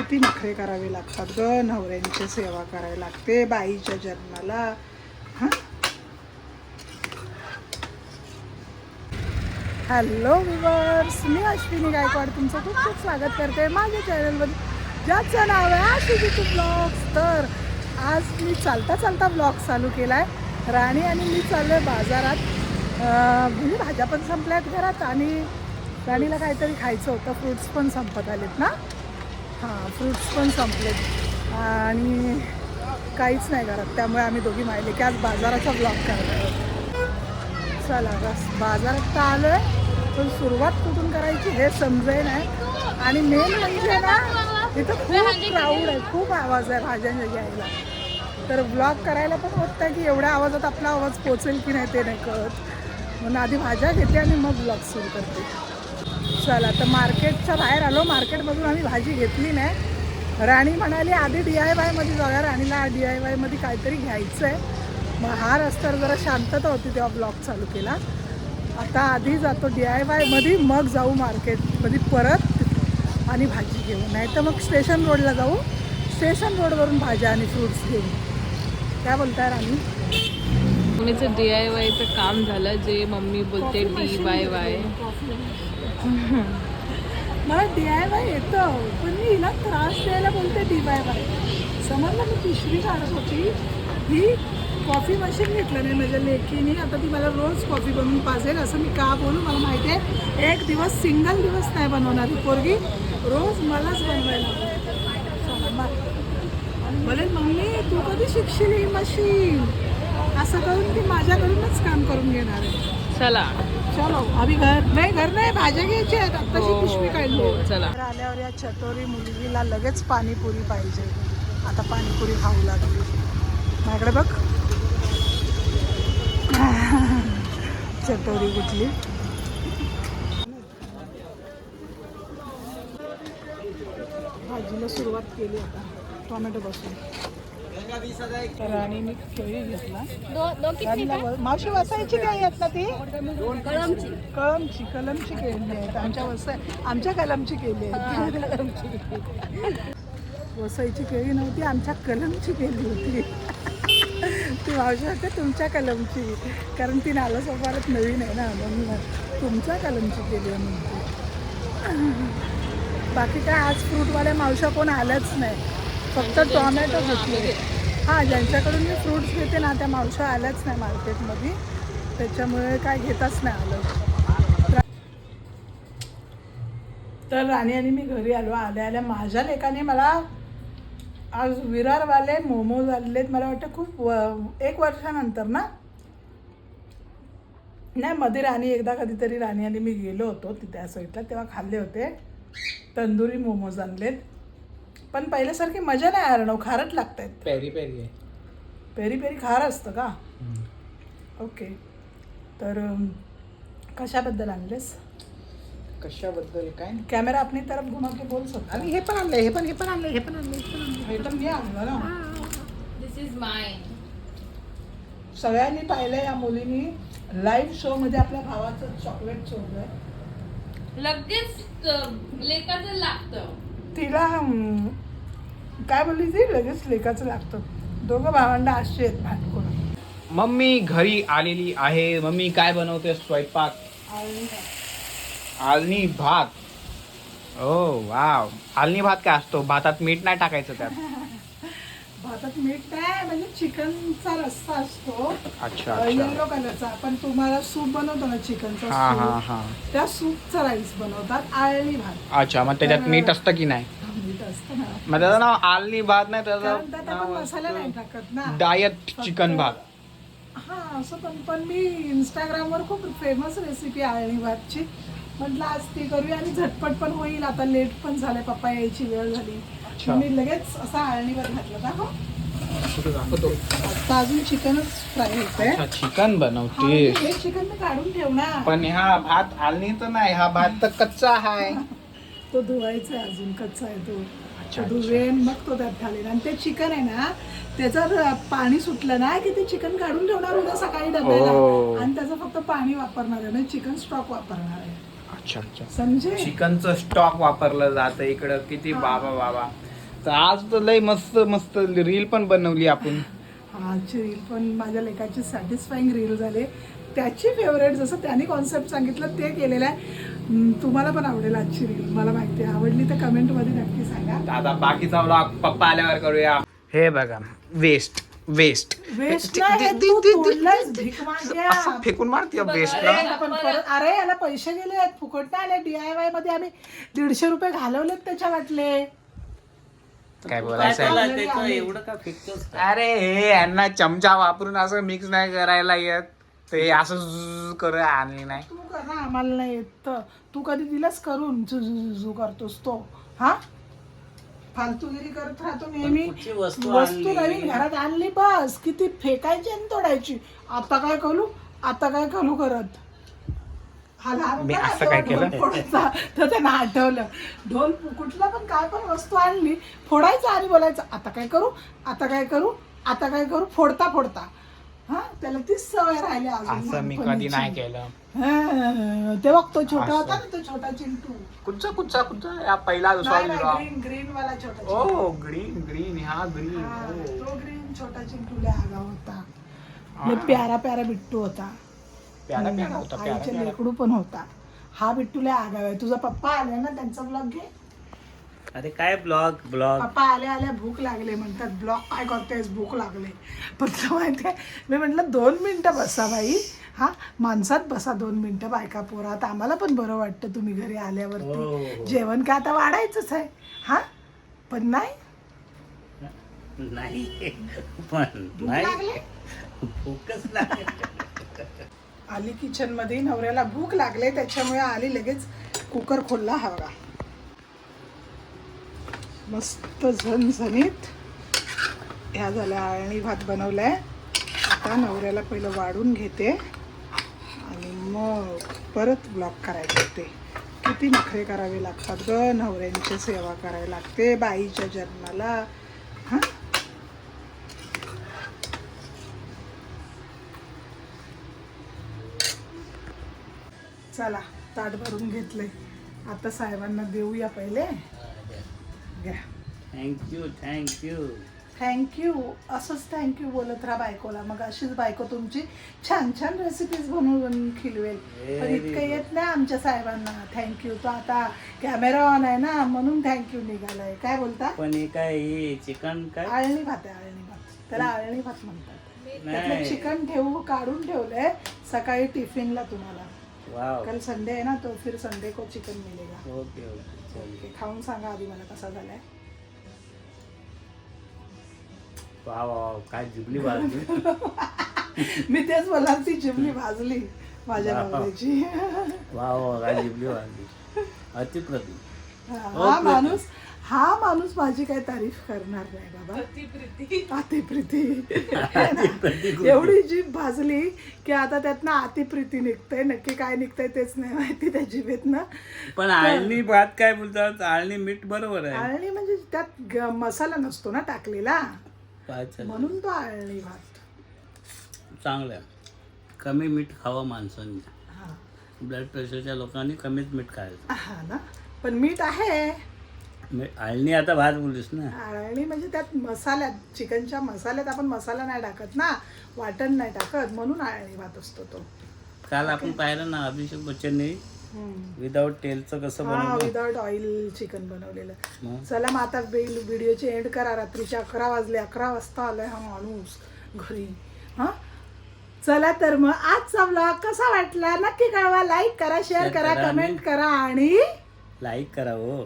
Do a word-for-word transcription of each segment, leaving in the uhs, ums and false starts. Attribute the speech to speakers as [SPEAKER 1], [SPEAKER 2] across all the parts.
[SPEAKER 1] किती नखरे करावे लागतात ग, नवऱ्यांची सेवा करावी लागते बाईच्या जन्माला. हां हॅलो व्ह्यूअर्स, मी अश्विनी गायकवाड तुमचं खूप खूप स्वागत करते माझ्या चॅनलमध्ये, ज्याचं नाव आहे आशिषी ब्लॉग्स. तर आज मी चालता चालता ब्लॉग चालू केला आहे. राणी आणि मी चाललो आहे बाजारात. म्हणजे भाज्या पण संपल्यात घरात आणि राणीला काहीतरी खायचं होतं. फ्रूट्स पण संपत आलेत ना. हां, फ्रूट्स पण संपलेत आणि काहीच नाही घरात, त्यामुळे आम्ही दोघी माहिले की आज बाजाराचा ब्लॉग करणार आहोत. चला बस बाजारात तर आलो आहे, पण सुरुवात कुठून करायची हे समजे नाही. आणि मेन म्हणजे ना, इथं खूप क्राऊड आहे, खूप आवाज आहे भाज्यांच्या घ्यायला. तर ब्लॉग करायला पण होत नाही की एवढ्या आवाजात आपला आवाज पोचेल की नाही ते नाही कळत. म्हणून आधी भाज्या घेते आणि मग ब्लॉग सुरू करते. चला तर मार्केटच्या बाहेर आलो. मार्केटमधून आम्ही भाजी घेतली नाही. राणी म्हणाली आधी डी आय वायमध्ये जाऊया. राणीला डी आय वायमध्ये काहीतरी घ्यायचं आहे. मग हा रस्त्यावर जरा शांतता होती तेव्हा ब्लॉग चालू केला. आता आधी जातो डी आय वायमध्ये, मग जाऊ मार्केटमध्ये परत आणि भाजी घेऊ. नाही तर मग स्टेशन रोडला जाऊ, स्टेशन रोडवरून भाज्या आणि फ्रूट्स घेऊ. काय बोलताय राणी?
[SPEAKER 2] मम्मीचं डी आय वायचं काम झालं, जे मम्मी बोलते डी वाय वाय.
[SPEAKER 1] मला डी आय वाय येतं, पण मी हिला त्रास द्यायला बोलते डी वाय वाय. समजलं, मी पिशवी काढत होती, ही कॉफी मशीन घेतलं नाही माझ्या लेकीने. आता ती मला रोज कॉफी बनवून पाजेल असं मी का बोलू? मला माहिती आहे एक दिवस सिंगल दिवस नाही बनवणार ही पोरगी, रोज मलाच बनवायला बोलेल. मम्मी तू कधी शिकशील ही मशीन? असं करून ती माझ्याकडूनच काम करून घेणार आहे.
[SPEAKER 2] चला
[SPEAKER 1] चलो अभी घर नाही, घर नाही, भाज्या घ्यायची आहेत. आत्ताची पिशवी काढली.
[SPEAKER 2] चला
[SPEAKER 1] आल्यावर या चटोरी मुलगीला लगेच पाणीपुरी पाहिजे. आता पाणीपुरी खाऊ लागली. माझ्याकडे बघ चटोरी कुठली. भाजीला सुरुवात केली आता टोमॅटो पासून. राणीने केळी घेतला. मावशी वसायची काय आहेत ना ती? कळमची कळमची कलमची केली आहेत. आमच्या वसाय आमच्या कलमची केली आहे. वसायची केळी नव्हती, आमच्या कलमची केली होती. ती मावशी वाटते तुमच्या कलमची, कारण ती नाला सोपारात नवीन आहे ना, म्हणून तुमच्या कलमची केली आहे म्हणते. बाकी काय आज फ्रूटवाल्या मावशा कोण आल्याच नाही, फक्त टोमॅटो घेतले. हां, ज्यांच्याकडून मी फ्रूट्स घेते ना त्या मावशा आल्याच नाही मार्केटमध्ये, त्याच्यामुळे काय घेताच नाही आलं. तर राणी आणि मी घरी आलो. आल्या आल्या माझ्या लेकाने मला आज विरारवाले मोमोज आणलेत. मला वाटतं खूप व एक वर्षानंतर ना, नाही मध्ये राणी एकदा कधीतरी राणी आणि मी गेलो होतो तिथे त्या साईडला, तेव्हा खाल्ले होते. तंदुरी मोमोज आणलेत, पण पहिल्यासारखी मजा नाही. आरणव खारट लागत आहेत.
[SPEAKER 3] पेरी पेरी आहे.
[SPEAKER 1] पेरी पेरी खार असतं का? ओके. तर कशाबद्दल आणलेस?
[SPEAKER 3] कशाबद्दल काय?
[SPEAKER 1] कॅमेरा अपनी तरफ घुमा के बोल सकता.
[SPEAKER 3] आणि हे पण आणलंय, हे पण हे पण आणलंय, हे पण आणलंय, हे पण आणलंय.
[SPEAKER 1] हे तर मी आणलं ना.
[SPEAKER 2] This is mine.
[SPEAKER 1] सगळ्यांनी पाहिलं या मुलीनी लाईव्ह शो मध्ये आपल्या भावाचं चॉकलेट चोरलंय.
[SPEAKER 2] लगेच लेकाचं लागतं
[SPEAKER 1] तिला. काय बोलली ती? लगेच लेकाचं लागतं. दोघं भावंड अशी आहेत भांडकोण.
[SPEAKER 3] मम्मी घरी आलेली आहे. मम्मी काय बनवते स्वयंपाक? आलनी भात. ओ वाव. आलनी भात काय असतो? भातात मीठ नाही टाकायचं त्यात?
[SPEAKER 1] भातात मीठ नाही, म्हणजे चिकनचा रस्सा असतो.
[SPEAKER 3] अच्छा
[SPEAKER 1] येलो कलरचा. आपण तुम्हाला सूप बनवतो ना चिकनचा,
[SPEAKER 3] हा हा हा.
[SPEAKER 1] त्या सूपचा राईस बनवतात आळणी भात.
[SPEAKER 3] अच्छा, मग त्याच्यात मीठ असतं की नाही?
[SPEAKER 1] मीठ असतं ना.
[SPEAKER 3] मग त्याचं नाव आलनी भात नाही,
[SPEAKER 1] कारण त्यात आपण
[SPEAKER 3] त्याचं
[SPEAKER 1] मसाला नाही टाकत ना.
[SPEAKER 3] डायट चिकन भात.
[SPEAKER 1] हा असं. पण पण मी इंस्टाग्रामवर खूप फेमस रेसिपी आळणी भातची, म्हटलं आज ती करूया आणि झटपट पण होईल. आता लेट पण झालंय, पप्पा यायची वेळ झाली. मी लगेच असा आळणी भात घातला होता. हो आता अजून चिकनच फ्राय होतंय.
[SPEAKER 3] चिकन बनवते.
[SPEAKER 1] हे चिकन मी काढून ठेवणार,
[SPEAKER 3] पण हा भात आलनी तर नाही, हा भात तर कच्चा आहे.
[SPEAKER 1] तो धुवायचा आहे, अजून कच्चा आहे तो. धुवेन मग तो त्यात घालेन. आणि ते चिकन आहे ना, त्याचं पाणी सुटलं ना की ते चिकन काढून ठेवणार उद्या सकाळी डब्याला, आणि त्याचं फक्त पाणी वापरणार आहे, म्हणजे चिकन स्टॉक वापरणार आहे.
[SPEAKER 3] अच्छा अच्छा.
[SPEAKER 1] समजे?
[SPEAKER 3] चिकनचं स्टॉक वापरलं जातं इकडं. किती बाबा बाबा. तर आज तर लय मस्त मस्त रील पण बनवली आपण.
[SPEAKER 1] आजची रील पण माझ्या लेखाची सॅटिस्फाईंग रील झाले. त्याची फेवरेट जसं त्याने कॉन्सेप्ट सांगितलं ते केलेलं आहे. हम्म, तुम्हाला पण आवडेल आजची रील मला माहिती आहे. आवडली तर कमेंटमध्ये नक्की सांगा.
[SPEAKER 3] आता बाकीचा व्लॉग पप्पा आल्यावर करूया. हे बघा वेस्ट वेस्ट
[SPEAKER 1] वेस्ट नाही, तू तोडलंयस भीक माग्या.
[SPEAKER 3] असं फेकून मारते वेस्टला.
[SPEAKER 1] अरे आपण परत- अरे याला पैसे गेले आहेत फुकट नाही आले. डीआयवाय मध्ये आम्ही दीडशे रुपये घालवलेत त्याच्या वाटले.
[SPEAKER 3] काय बोलायचं आहे?
[SPEAKER 4] त्याचं एवढं का फेकतोस का?
[SPEAKER 3] अरे हे यांना चमचा वापरून असं मिक्स नाही करायला येत. ते असं झुझ करू आणली नाही.
[SPEAKER 1] तू कर ना, आम्हाला नाही येत तर. तू कधी दिलंस करून झु झु झु करतोस तो हा फालतूगिरी करत राहतो नेहमी.
[SPEAKER 4] कुठची वस्तू
[SPEAKER 1] वस्तू
[SPEAKER 4] आणली?
[SPEAKER 1] नवीन घरात आणली बस किती फेकायची आणि तोडायची. आता काय करू आता काय करू करत हा लहान
[SPEAKER 3] मी
[SPEAKER 1] होता ना,
[SPEAKER 3] असं काय
[SPEAKER 1] तेव्हा
[SPEAKER 3] केलं?
[SPEAKER 1] ढोल फोडायचा. तर त्यांना आठवलं ढोल कुठला पण काय पण वस्तू आणली फोडायचं आणि बोलायचं आता काय करू आता काय करू आता काय करू फोडता फोडता. हा त्याला तीच सवय राहिली अजून
[SPEAKER 3] असं मी कधी
[SPEAKER 1] लहानपणीची.
[SPEAKER 3] नाही केलं.
[SPEAKER 1] हा, तेव्हा तो छोटा
[SPEAKER 3] असं.
[SPEAKER 1] होता ना तो छोटा चिंटू.
[SPEAKER 3] कुठचा कुठचा कुठचा या पहिला दुसरा
[SPEAKER 1] नाही
[SPEAKER 3] दिला.
[SPEAKER 1] ग्रीन ग्रीन वाला छोटा चिंटू.
[SPEAKER 3] ओ ग्रीन ग्रीन हा ग्रीन.
[SPEAKER 1] हा, तो ग्रीन छोटा चिंटू लय आगाऊ होता. लय प्यारा प्यारा बिट्टू होता.
[SPEAKER 3] प्यारा प्यारा होता प्यारा
[SPEAKER 1] आईच्या
[SPEAKER 3] प्यारा.
[SPEAKER 1] लेकडू पण होता. हा बिट्टू लय आगाऊ आहे. तुझा पप्पा आले ना त्यांचा ब्लॉग घे.
[SPEAKER 4] अरे काय ब्लॉग ब्लॉग
[SPEAKER 1] पप्पा आल्या आल्या भूक लागले म्हणतात. ब्लॉग काय करतेस भूक लागले. पण तुला माहिती आहे मी म्हटलं दोन मिनिटं बसा बाई. हा माणसात बसा दोन मिनिटं बायका पोरात आम्हाला पण बरं वाटतं तुम्ही घरी
[SPEAKER 4] हो,
[SPEAKER 1] आल्यावरती.
[SPEAKER 4] हो.
[SPEAKER 1] जेवण काय आता वाढायचंच आहे हा पण नाही
[SPEAKER 4] नाही पण
[SPEAKER 1] भूक
[SPEAKER 4] नाही
[SPEAKER 1] लागली.
[SPEAKER 4] भूकच नाही.
[SPEAKER 1] आली किचन मध्ये नवऱ्याला भूक लागले त्याच्यामुळे आली लगेच कुकर खोलला. हा बघा मस्त झणझणीत ह्या झाल्या आळणी भात बनवलाय. आता नवऱ्याला पहिलं वाढून घेते आणि मग परत ब्लॉक करायचे. ते किती नखरे करावे लागतात ग नवऱ्यांची सेवा करावी लागते बाईच्या जन्माला. हा चला ताट भरून घेतले. आता साहेबांना देऊया पहिले. घ्या
[SPEAKER 4] थँक्यू थँक्यू
[SPEAKER 1] थँक्यू. असंच थँक्यू बोलत राहा बायकोला. मग अशीच बायको तुमची छान छान रेसिपीज बनवून खिलवेल. पण इतकं येत नाही आमच्या साहेबांना थँक्यू. तो आता कॅमेरा ऑन आहे ना म्हणून थँक्यू निघालाय. काय बोलता?
[SPEAKER 4] पण हे काय हे चिकन काय
[SPEAKER 1] आळणी भात आहे आळणी भात. त्याला आळणी भात म्हणतात. त्यातलं
[SPEAKER 4] नाही
[SPEAKER 1] चिकन ठेवू काढून ठेवलंय सकाळी टिफिनला तुम्हाला.
[SPEAKER 4] वाव
[SPEAKER 1] कल संडे आहे ना तो फिर संडे को चिकन मिलेगा.
[SPEAKER 4] ओके ओके चल
[SPEAKER 1] ओके, खाऊन सांगा आधी मला कसा झालाय.
[SPEAKER 4] वाव वाव काय जुबली वाजली.
[SPEAKER 1] मी तेच बोलणार ती चिमणी भाजली माझ्या
[SPEAKER 4] वाव.
[SPEAKER 1] नवऱ्याची.
[SPEAKER 4] वाव वाव काय जुबली वाजली. अतिप्रतिम.
[SPEAKER 1] हा माणूस हा माणूस माझी काय तारीफ करणार नाही बाबा. अतिप्रीती एवढी जीभ भाजली की आता त्यातनं अतिप्रीती निघतंय. नक्की काय निघतंय तेच नाही माहिती त्या जिभेतनं.
[SPEAKER 4] पण आळणी भात काय बोलतात आळणी मीठ बरोबर आहे.
[SPEAKER 1] आळणी म्हणजे त्यात ग- मसाला नसतो ना टाकलेला
[SPEAKER 4] काय चालेल.
[SPEAKER 1] म्हणून तो आळणी भात.
[SPEAKER 4] चांगलं आहे. कमी मीठ खावं माणसांनी.
[SPEAKER 1] हा
[SPEAKER 4] ब्लड प्रेशरच्या लोकांनी कमीच मीठ खायचं.
[SPEAKER 1] हा ना पण मीठ आहे.
[SPEAKER 4] मी- आळणी आता भात बोललीस ना.
[SPEAKER 1] आळणी म्हणजे त्यात मसाल्यात चिकनच्या मसाल्यात आपण मसाला नाही टाकत ना वाटण नाही टाकत म्हणून आळणी भात असतो तो.
[SPEAKER 4] काल आपण पाहिलं ना अभिषेक बच्चनने विदाऊट तेलचं कसं
[SPEAKER 1] हा
[SPEAKER 4] बनवलं.
[SPEAKER 1] विदाउट ऑइल चिकन बनवलेलं.
[SPEAKER 4] मग?
[SPEAKER 1] चला मग आता व्हिडिओची एंड करा. रात्रीचे अकरा वाजले. अकरा वाजता आलाय हा माणूस घरी. हा चला तर मग आजचा व्लॉग कसा वाटला नक्की कळवा. लाईक करा शेअर करा
[SPEAKER 4] करा
[SPEAKER 1] कमेंट करा आणि
[SPEAKER 4] लाईक करा हो.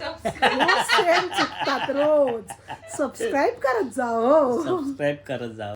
[SPEAKER 1] रोज सेम चुकतात रोज सबस्क्राईब करत जा हो.
[SPEAKER 4] सबस्क्राईब करत जा.